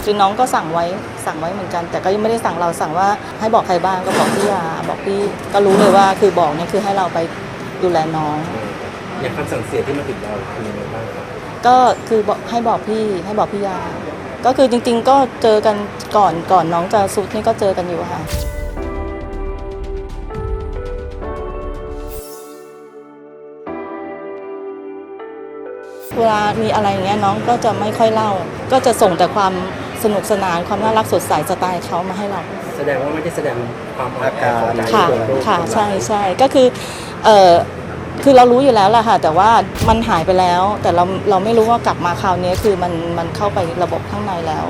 คือน้องก็สั่งไว้เหมือนกันแต่ก็ยังไม่ได้สั่งเราสั่งว่าให้บอกใครบ้างก็บอกพี่ยาบอกพี่ก็รู้เลยว่าคือบอกเนี่ยคือให้เราไปดูแลน้องอย่างคำสั่งเสียที่มาถึงเราคือยังไงบ้างครับก็คือบอกให้บอกพี่ยาก็คือจริงๆก็เจอกันก่อนน้องจะสุดนี่ก็เจอกันอยู่ค่ะเวลามีอะไรอย่างเงี้ยน้องก็จะไม่ค่อยเล่าก็จะส่งแต่ความสนุกสนานความน่ารักสดใสสไตล์เขามาให้เราแสดงว่าไม่ได้แสดงความอาการค่ะใช่ก็คือคือเรารู้อยู่แล้วแหละค่ะแต่ว่ามันหายไปแล้วแต่เราไม่รู้ว่ากลับมาคราวนี้คือมันเข้าไประบบข้างในแล้ว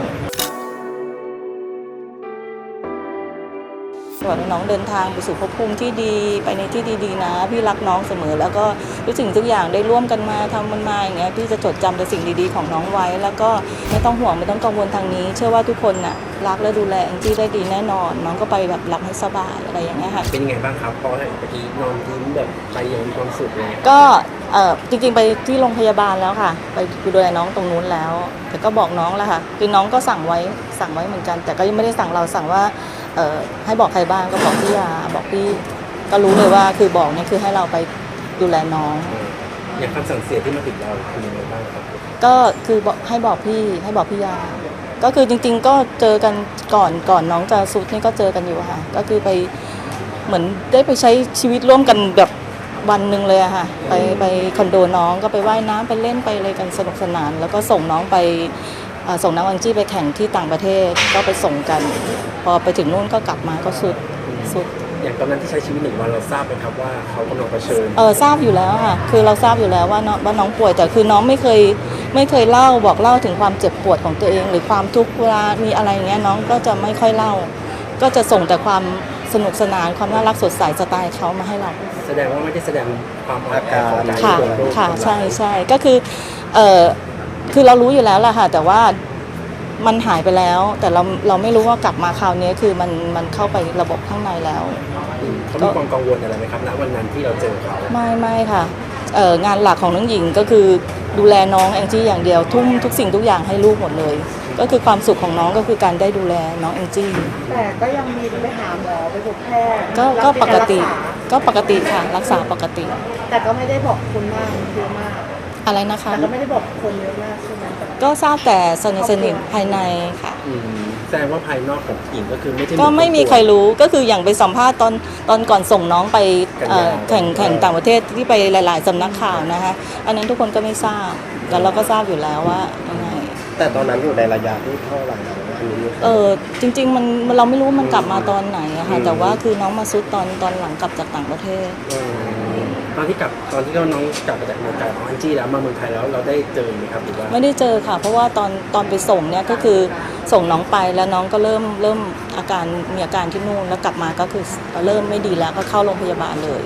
น้องเดินทางไปสู่ภพภูมิที่ดีไปในที่ดีๆนะพี่รักน้องเสมอแล้วก็ทุกสิ่งทุกอย่างได้ร่วมกันมาทำมันมาอย่างเงี้ยพี่จะจดจำแต่สิ่งดีๆของน้องไว้แล้วก็ไม่ต้องห่วงไม่ต้องกังวลทางนี้เชื่อว่าทุกคนน่ะรักและดูแลแองจี้ได้ดีแน่นอนน้องก็ไปแบบหลับให้สบายอะไรอย่างเงี้ยค่ะเป็นยังไงบ้างครับพอเมื่อกี้นอนยิ้มแบบไปอย่างมีความสุขเลยก็จริงๆไปที่โรงพยาบาลแล้วค่ะไปดูแลน้องตรงนู้นแล้วแต่ก็บอกน้องแล้วค่ะคือน้องก็สั่งไว้เหมือนกันแต่ก็ยังไม่ได้สั่งเราสั่งว่าให้บอกใครบ้างก็บอกพี่ยาบอกพี่ก็รู้เลยว่าคือบอกเนี่ยคือให้เราไปดูแลน้องอย่างคำสั่งเสียที่มาถึงเราคือยังไงบ้างครับก็คือบอกให้บอกพี่ยาก็คือจริงๆก็เจอกันก่อนน้องจะสุดนี่ก็เจอกันอยู่ค่ะก็คือไปเหมือนได้ไปใช้ชีวิตร่วมกันแบบวันหนึ่งเลยอะค่ะไปคอนโดน้องก็ไปว่ายน้ำไปเล่นไปอะไรกันสนุกสนานแล้วก็ส่งน้องไปส่งน้องแองจี้ไปแข่งที่ต่างประเทศก็ไปส่งกันพอไปถึงนู่นก็กลับมาก็สุดอย่างตอนนั้นที่ใช้ชีวิต1 วันเราทราบไหมครับว่าเขากำลังเผชิญทราบอยู่แล้วค่ะคือเราทราบอยู่แล้วว่าน้องป่วยแต่คือน้องไม่เคยเล่าบอกเล่าถึงความเจ็บปวดของตัวเองหรือความทุกข์เวลามีอะไรอย่างเงี้ยน้องก็จะไม่ค่อยเล่าก็จะส่งแต่ความสนุกสนานความน่ารักสดใสสไตล์เขามาให้เราแสดงว่าไม่ได้แสดงความอาการค่ะใช่ก็คือเรารู้อยู่แล้วแหละค่ะแต่ว่ามันหายไปแล้วแต่เราไม่รู้ว่ากลับมาคราวนี้คือมันเข้าไประบบข้างในแล้วเขามีความกังวลอะไรไหมครับณวันนั้นที่เราเจอเขาไม่ค่ะงานหลักของน้องหญิงก็คือดูแลน้องแองจี้อย่างเดียวทุ่มทุกสิ่งทุกอย่างให้ลูกหมดเลยก็คือความสุขของน้องก็คือการได้ดูแลน้องแองจี้แต่ก็ยังมีไปหาหมอไปพบแพทย์ก็ปกติค่ะรักษาปกติแต่ก็ไม่ได้บอกคนมากเยอะมากอะไรนะคะแต่ก็ไม่ได้บอกคนเยอะมากใช่ไหมก็ทราบแต่สนิทภายในค่ะแสดงว่าภายนอกของหญิงก็คือไม่มีใครรู้ก็คืออย่างไปสัมภาษณ์ตอนก่อนส่งน้องไปแข่งต่างประเทศที่ไปหลายๆสำนักข่าวนะคะอันนั้นทุกคนก็ไม่ทราบแต่เราก็ทราบอยู่แล้วว่ายังไงแต่ตอนนั้นอยู่ในระยะที่เท่าไหร่แล้วอันนี้จริงๆมันเราไม่รู้มันกลับมาตอนไหนอะค่ะแต่ว่าคือน้องมาซุดตอนหลังกลับจากต่างประเทศตอนที่น้องกลับมาจากเมืองไทยของแองจี้แล้วมาเมืองไทยแล้วเราได้เจอไหมครับหรือว่าไม่ได้เจอค่ะเพราะว่าตอนไปส่งเนี่ยก็คือส่งน้องไปแล้วน้องก็เริ่มมีอาการที่นู่นแล้วกลับมาก็คือเริ่มไม่ดีแล้วก็เข้าโรงพยาบาลเลย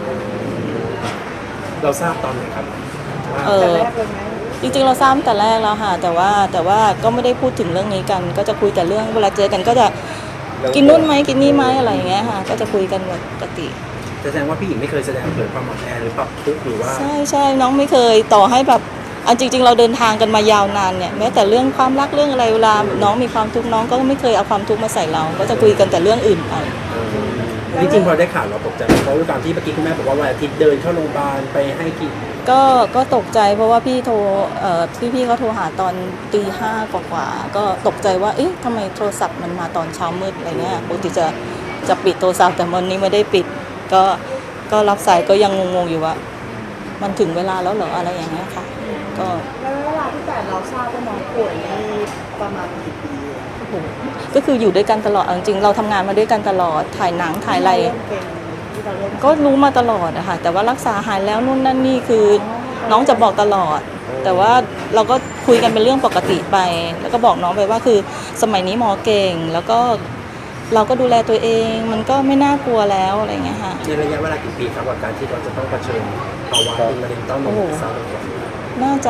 เราทราบตอนไหนครับแต่แรกเลยไหมจริงๆเราทราบแต่แรกแล้วค่ะแต่ว่าก็ไม่ได้พูดถึงเรื่องนี้กันก็จะคุยแต่เรื่องเวลาเจอกันก็จะกินนู่นไหมกินนี่ไหมอะไรอย่างเงี้ยค่ะก็จะคุยกันปกติแสดงว่าพี่หญิงไม่เคยแสดงเผยความอ่อนแอหรือปรับทุกข์หรือว่าใช่น้องไม่เคยต่อให้แบบจริงๆเราเดินทางกันมายาวนานเนี่ยแม้แต่เรื่องความรักเรื่องอะไรเวลาน้องมีความทุกข์น้องก็ไม่เคยเอาความทุกข์มาใส่เราก็จะคุยกันแต่เรื่องอื่นไปจริงๆพอได้ข่าวเราตกใจเพราะว่าตามที่เมื่อกี้คุณแม่บอกว่าวันอาทิตย์เดินเข้าโรงพยาบาลไปให้กินก็ตกใจเพราะว่าพี่เขาโทรหาตอนตี 5กว่าก็ตกใจว่าเอ๊ะทำไมโทรศัพท์มันมาตอนเช้ามืดอะไรเงี้ยปกติจะปิดโทรศัพท์แต่วันนี้ไม่ได้ปิดก็รับสายก็ยังงงๆอยู่ว่ามันถึงเวลาแล้วเหรออะไรอย่างเงี้ยค่ะแล้วเวลาที่แต่เราทราบว่าน้องป่วยนี่ประมาณกี่ปีก็คืออยู่ด้วยกันตลอดจริงๆเราทำงานมาด้วยกันตลอดถ่ายหนังถ่ายอะไรก็รู้มาตลอดอะค่ะแต่ว่ารักษาหายแล้วนู่นนั่นนี่คือน้องจะบอกตลอดแต่ว่าเราก็คุยกันเป็นเรื่องปกติไปแล้วก็บอกน้องไปว่าคือสมัยนี้หมอเก่งแล้วก็เราก็ดูแลตัวเองมันก็ไม่น่ากลัวแล้วอะไรเงี้ยค่ะในระยะเวลากี่ปีครับกับการที่เราจะต้องเผชิญภาวะเป็นมะเร็งเต้านมทราบไหมครับน่าจะ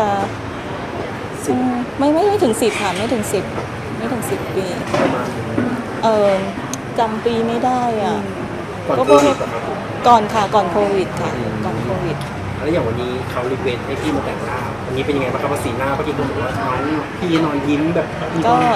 ไม่ถึง10ค่ะไม่ถึง10ปีประมาณจำปีไม่ได้อ่ะก่อนโควิดก่อนค่ะก่อนโควิดค่ะก่อนโควิดแล้วอย่างวันนี้เขารีเควสให้พี่มาแต่งหน้าวันนี้เป็นยังไงบ้างครับสีหน้าเมื่อกี้คุณบอกว่าพี่นอนยิ้มแบบก็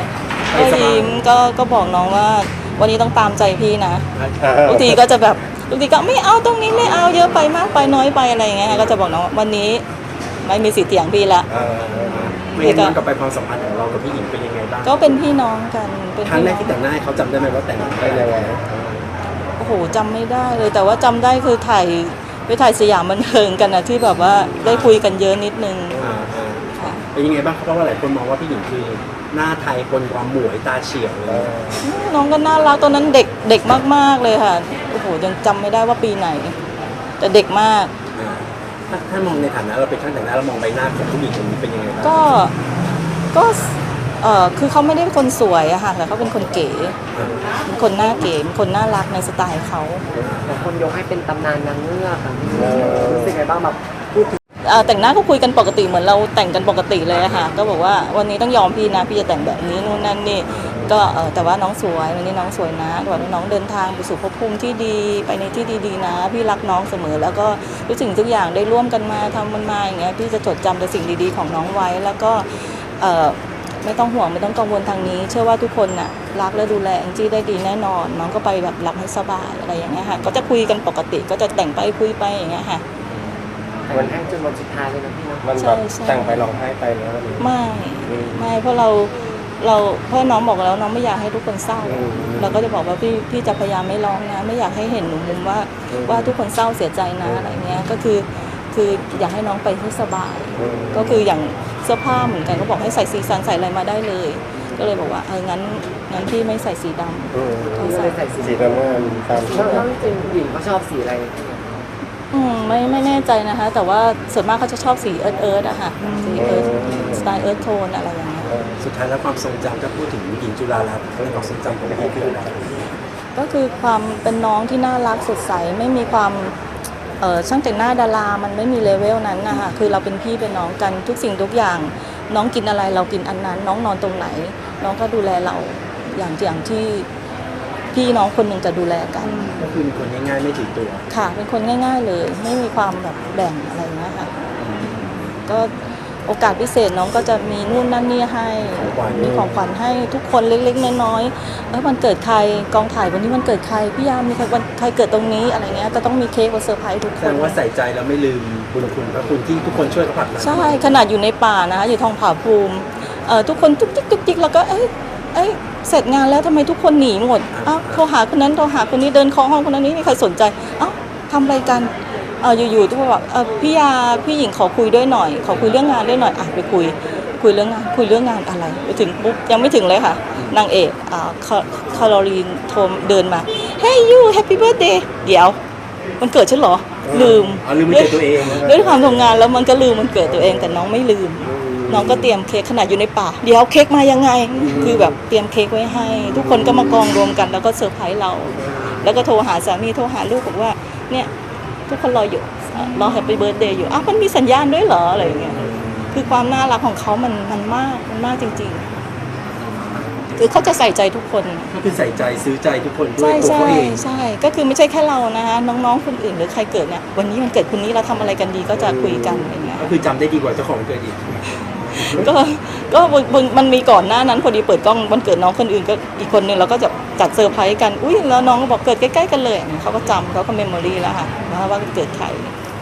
ก็ยิ้มก็บอกน้องว่าวันนี้ต้องตามใจพี่นะบางทีก็จะแบบบางทีก็ไม่เอาตรงนี้ไม่เอาเยอะไปมากไปน้อยไปอะไรอย่างเงี้ยก็จะบอกน้องว่าวันนี้ไม่มีสิทธิ์เถียงพี่ละไม่งั้นย้อนกลับไปความสัมพันธ์ของเรากับพี่หญิงเป็นยังไงบ้างก็เป็นพี่น้องกันเป็นครั้งพี่แรน้กองที่แต่งหน้าให้เขาจำได้ไหมว่าแต่งได้ยังไงโอ้โหจำไม่ได้เลยแต่ว่าจำได้คือไปถ่ายสยามบันเทิงกันนะที่แบบว่าได้คุยกันเยอะนิดนึงค่ะเป็นยังไงบ้างครับเพราะว่าหลายคนมองว่าพี่หญิงคือหน้าไทยคนความหมวยตาเฉียวเลยน้องก็น่ารักตอนนั้นเด็กมากๆเลยค่ะโอ้โหยังจำไม่ได้ว่าปีไหน แต่เด็กมากถ้ามองในฐานะเราเป็นช่างแต่งหน้าเรามองใบหน้าของผู้หญิงคนนี้เป็นยังไงบ้างก็คือเขาไม่ได้เป็นคนสวยอะค่ะแต่เขาเป็นคนเก๋เป็นคนหน้าเก๋เป็นคนน่ารักในสไตล์เขาแต่คนยกให้เป็นตำนานนางเงือกอะรู้สึกไงบ้างแบบพูดถึงแต่งหน้าก็คุยกันปกติเหมือนเราแต่งกันปกติเลยอะค่ะก็บอกว่าวันนี้ต้องยอมพี่นะพี่จะแต่งแบบนี้นู่นนั่นนี่ก็แต่ว่าน้องสวยวันนี้น้องสวยนะวันนี้น้องเดินทางไปสู่ภพภูมิที่ดีไปในที่ดีๆนะพี่รักน้องเสมอแล้วก็ทุกสิ่งทุกอย่างได้ร่วมกันมาทำมันมาอย่างเงี้ยพี่จะจดจำแต่สิ่งดีๆของน้องไว้แล้วก็ไม่ต้องห่วงไม่ต้องกังวลทางนี้เชื่อว่าทุกคนน่ะรักและดูแลแองจี้ได้ดีแน่นอนน้องก็ไปแบบรับให้สบายอะไรอย่างเงี้ยค่ะก็จะคุยกันปกติก็จะแต่งไปคุยไปอย่างเงี้ยค่ะวันแรกจนวันสุดท้ายเลยนะพี่นะมันแบบแต่งไปร้องไห้ไปแล้ววันนี้ไม่เพราะเราเพราะน้องบอกแล้วน้องไม่อยากให้ทุกคนเศร้าเราก็จะบอกว่าพี่จะพยายามไม่ร้องนะไม่อยากให้เห็นหนูมุมว่าทุกคนเศร้าเสียใจนะอะไรเงี้ยก็คืออยากให้น้องไปให้สบายก็คืออย่างเสื้อผ้าเหมือนกันก็บอกให้ใส่สีสันใส่อะไรมาได้เลย ก็เลยบอกว่างั้นพี่ไม่ใส่สีดำก็เลยใส่สีสีน้ำเงินตามที่แล้วจริงๆผู้หญิงเขาชอบสีอะไรไม่แน่ใจนะคะแต่ว่าส่วนมากเขาจะชอบสีเอิร์ธอะค่ะสีเอิร์ธสไตล์เอิร์ธโทนอะไรอย่างเงี้ยสุดท้ายแล้วความทรงจำถ้าพูดถึงหญิงจุฬาลัตน์ในความทรงจำของพี่คืออะไรก็คือความเป็นน้องที่น่ารักสดใสไม่มีความช่างแต่งหน้าดารามันไม่มีเลเวลนั้นนะคะคือเราเป็นพี่เป็นน้องกันทุกสิ่งทุกอย่างน้องกินอะไรเรากินอันนั้นน้องนอนตรงไหน น้องก็ดูแลเราอย่างที่พี่น้องคนหนึ่งจะดูแลกันก็คือเป็นคนง่ายๆไม่ถือตัวค่ะเป็นคนง่ายๆเลยไม่มีความแบบแบ่งอะไรนะคะก็โอกาสพิเศษน้องก็จะมีนู่นนั่นนี่ให้มีของขวัญให้ทุกคนเล็กๆน้อยๆวันเกิดใครกองถ่ายวันนี้วันเกิดใครพี่ยามมีวันใครเกิดตรงนี้อะไรเงี้ยจะต้องมีเค้กมาเซอร์ไพรส์ทุกคแสดนงว่าใส่ใจแล้วไม่ลืมบุญคุณพระคุณที่ทุกคนช่วยเขาผลักดันใช่ขนาดอยู่ในป่านะคะอยู่ทองผาภูมิทุกคนจุกจิกแล้วก็เสร็จงานแล้วทำไมทุกคนหนีหมดโทรหาคนนั้นโทรหาคนนี้เดินเคาะห้องคนนั้นนี่ไม่มีใครสนใจทำอะไรกันอยู่ๆทุกคนบอกพี่หญิงขอคุยด้วยหน่อยขอคุยเรื่องงานด้วยหน่อยไปคุยเรื่องงานอะไรไปถึงปุ๊บยังไม่ถึงเลยค่ะนางเอกคาโรลีนโทรเดินมา Hey you Happy Birthday เดี๋ยวมันเกิดฉันเหรอลืมลืมไม่เจอตัวเองด้วยความทำงานแล้วมันก็ลืมมันเกิดตัวเองแต่น้องไม่ลืมน้องก็เตรียมเค้กขนาดอยู่ในป่าเดี๋ยวเค้กมายังไงคือแบบเตรียมเค้กไว้ให้ ทุกคนก็มากองรวมกันแล้วก็เซอร์ไพรส์เรา แล้วก็โทรหาสามีโทรหาลูกบอกว่าเนี่ยทุกคนรออยู่รอแฮปปี้เบิร์ธเดย์อยู่มันมีสัญญาณด้วยเหรออะไรอย่างเงี้ยคือความน่ารักของเขามันมากจริงๆคือเขาจะใส่ใจทุกคนก็คือใส่ใจซื้อใจทุกคนด้วยตัวเขาเองใช่ก็คือไม่ใช่แค่เรานะคะน้องๆคนอื่นหรือใครเกิดเนี่ยวันนี้มันเกิดคนนี้เราทำอะไรกันดีก็จะคุยกันอย่างเงี้ยก็คือจำได้ดีกว่าเจ้าของเกิดอีกก็มันมีก่อนหน้านั้นพอดีเปิดกล้องวันเกิดน้องคนอื่นก็อีกคนนึงเราก็จะจัดเซอร์ไพรส์กันอุ้ยแล้วน้องก็บอกเกิดใกล้ๆกันเลยเขาก็จำเขาก็เมมโมรี่แล้วค่ะว่าเกิดใคร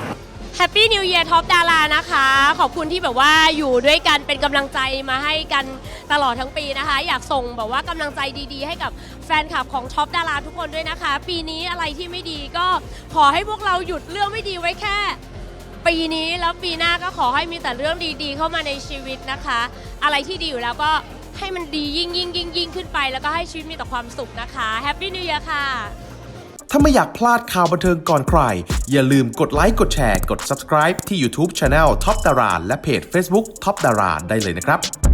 Happy New Year Top ดารานะคะขอบคุณที่แบบว่าอยู่ด้วยกันเป็นกำลังใจมาให้กันตลอดทั้งปีนะคะอยากส่งแบบว่ากำลังใจดีๆให้กับแฟนคลับของท็อปดาราทุกคนด้วยนะคะปีนี้อะไรที่ไม่ดีก็ขอให้พวกเราหยุดเรื่องไม่ดีไว้แค่ปีนี้แล้วปีหน้าก็ขอให้มีแต่เรื่องดีๆเข้ามาในชีวิตนะคะอะไรที่ดีอยู่แล้วก็ให้มันดียิ่งขึ้นไปแล้วก็ให้ชีวิตมีแต่ความสุขนะคะ Happy New Year ค่ะถ้าไม่อยากพลาดข่าวบันเทิงก่อนใคร อย่าลืมกดไลค์ กดแชร์ กด Subscribe ที่ YouTube Channel Top Dara และเพจ Facebook Top Dara ได้เลยนะครับ